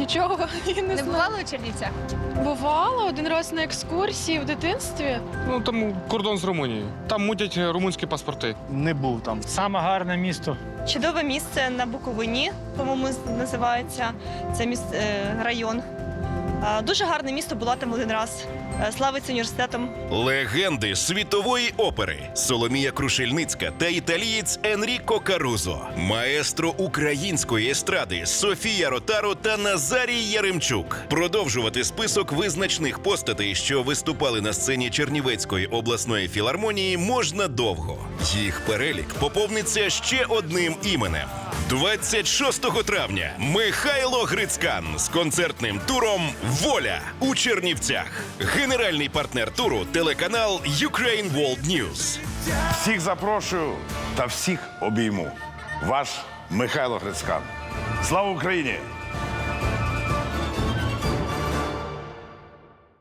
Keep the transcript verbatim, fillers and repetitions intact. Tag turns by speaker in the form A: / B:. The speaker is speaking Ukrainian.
A: Нічого і не,
B: Не
A: знаю.
B: бували у Чернівцях?
A: Бувало один раз на екскурсії в дитинстві.
C: Ну, там кордон з Румунією. Там мутять румунські паспорти.
D: Не був там.
E: Саме гарне місто.
F: Чудове місце на Буковині, по-моєму, називається це міс- е, район. Е, Дуже гарне місто, була там один раз. Е, Славиться університетом.
G: Легенди світової опери Соломія Крушельницька та італієць Енріко Карузо, маестро української естради Софія Ротаро та Назарій Яремчук. Продовжувати список визначних постатей, що виступали на сцені Чернівецької обласної філармонії, можна довго. Їх перелік поповниться ще одним іменем. двадцять шостого травня Михайло Грицькан з концертним туром «Воля» у Чернівцях. Генеральний партнер туру – телеканал Ukraine World News.
H: Всіх запрошую та всіх обійму. Ваш Михайло Грицькан. Слава Україні!